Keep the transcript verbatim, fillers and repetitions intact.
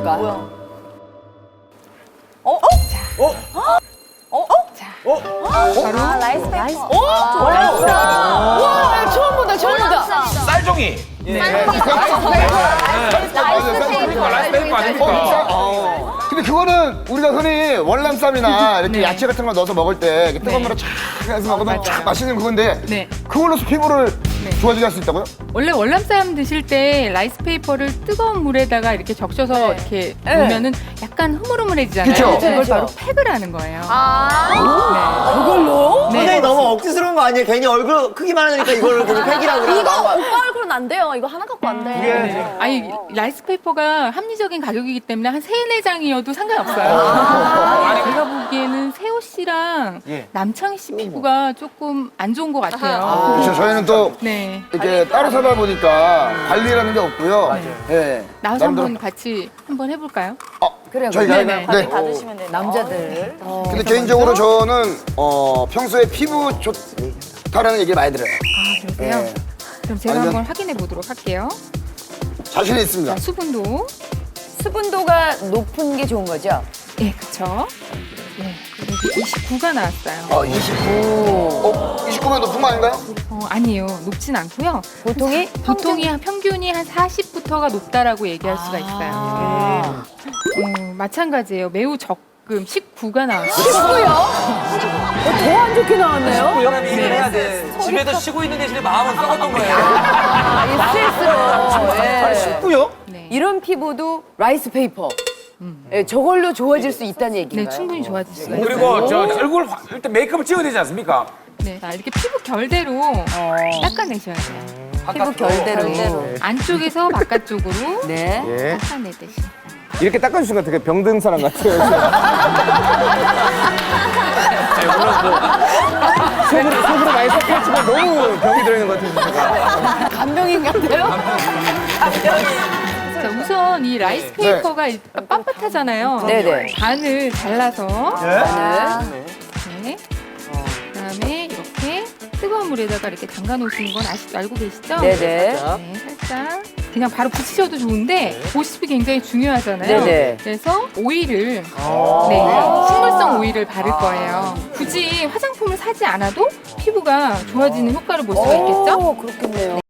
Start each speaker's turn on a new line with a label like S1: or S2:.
S1: 볼까? 뭐야? 어? 어? 자. 어? 어? 어? 자. 어? 바로 아, 라이스 페이퍼. 오! 라이스. 와, 처음 본다, 처음 본다.
S2: 쌀종이.
S1: 네. 라이스 페이퍼.
S2: 라이스 페이퍼 아닙니까?
S3: 근데 그거는 우리가 흔히 월남쌈이나 이렇게 네. 야채 같은 거 넣어서 먹을 때 뜨거운 네. 물에 쫙 해서 먹으면 쫙 맛있는 그건데 네. 그걸로 피부를 네. 좋아지게 할 수 있다고요?
S4: 원래 월남쌈 드실 때 라이스페이퍼를 뜨거운 물에다가 이렇게 적셔서 네. 이렇게 네. 놓으면은 약간 흐물흐물해지잖아요.
S3: 그쵸?
S4: 그걸
S1: 그쵸?
S4: 바로 팩을 하는 거예요.
S1: 아, 네. 그걸로?
S4: 네.
S5: 선생님 너무 억지스러운 거 아니에요? 괜히 얼굴 크기만 하니까 이거를 그냥 팩이라고 그러고
S1: 이거 오빠 얼굴은 안 돼요. 이거 하나 갖고 안 돼.
S4: 네. 아니 라이스페이퍼가 합리적인 가격이기 때문에 한 세네 장이어도 상관없어요.
S1: 아
S4: 제가 보기에는 세호 씨랑
S5: 예.
S4: 남창희 씨 피부가 조금 안 좋은 것 같아요.
S3: 아. 그렇죠. 저희는 또
S4: 네.
S3: 이렇게 따로 살다 보니까 관리라는 게 없고요. 네.
S4: 나와서
S3: 남들-
S4: 한번 같이 한번 해볼까요?
S3: 어,
S1: 그래요.
S3: 저희가
S4: 네네.
S3: 네.
S1: 받으시면 돼요. 남자들. 어.
S3: 근데 개인적으로 저는 어, 평소에 피부 좋다라는 얘기 많이 들어요.
S4: 아 그러세요?
S3: 네.
S4: 그럼 제가
S3: 완전-
S4: 한번 확인해 보도록 할게요.
S3: 자신이 있습니다.
S4: 자, 수분도.
S1: 수분도가 높은 게 좋은 거죠?
S4: 네, 그쵸. 네, 그래서 이십구가 나왔어요.
S3: 어, 이십구. 어, 이십구면 높은 거 아닌가요?
S4: 어, 아니에요. 높진 않고요.
S1: 보통이?
S4: 보통이 한 평균이 한 사십부터가 높다라고 얘기할 수가 있어요.
S1: 아.
S4: 어, 마찬가지예요. 매우 적금 십구가 나왔어요.
S1: 십구요? 더 안 좋게 나왔네요?
S5: 일을 해야 돼. 집에서 쉬고 있는 대신에 마음은 썩었던 거예요.
S1: 아, 이 스트레스로. 예.
S5: 쉽고요?
S4: 네.
S1: 이런 피부도 라이스 페이퍼. 예, 저걸로 좋아질 수 있다는 얘기인가요?
S4: 네, 충분히 좋아질 수가 있어요.
S2: 그리고 저 얼굴 확- 일단 메이크업을 찍어야 되지 않습니까?
S4: 네, 자, 이렇게 피부 결대로 닦아내셔야 돼요.
S1: 피부 결대로.
S4: 안쪽에서 바깥쪽으로
S1: 네.
S3: 예.
S4: 닦아내듯이.
S6: 이렇게 닦아주시니까 되게 병든 사람 같아요. 속으로, 속으로 많이 섞였지만 너무 병이 들어있는 것 같아요. 제가.
S1: 간병인 같아요?
S4: 자, 우선 이 라이스 페이퍼가 일단 빳빳하잖아요.
S1: 네네.
S4: 반을 잘라서
S1: 네.
S4: 네. 그다음에 이렇게 뜨거운 물에다가 이렇게 담가 놓으시는 건 아시, 알고 계시죠?
S1: 네네.
S4: 네, 살짝 그냥 바로 붙이셔도 좋은데 보습이 굉장히 중요하잖아요.
S1: 네네.
S4: 그래서 오일을 네, 식물성 오일을 바를 거예요. 굳이 화장품을 사지 않아도 피부가 좋아지는 효과를 볼 수가 있겠죠?
S1: 오, 그렇겠네요.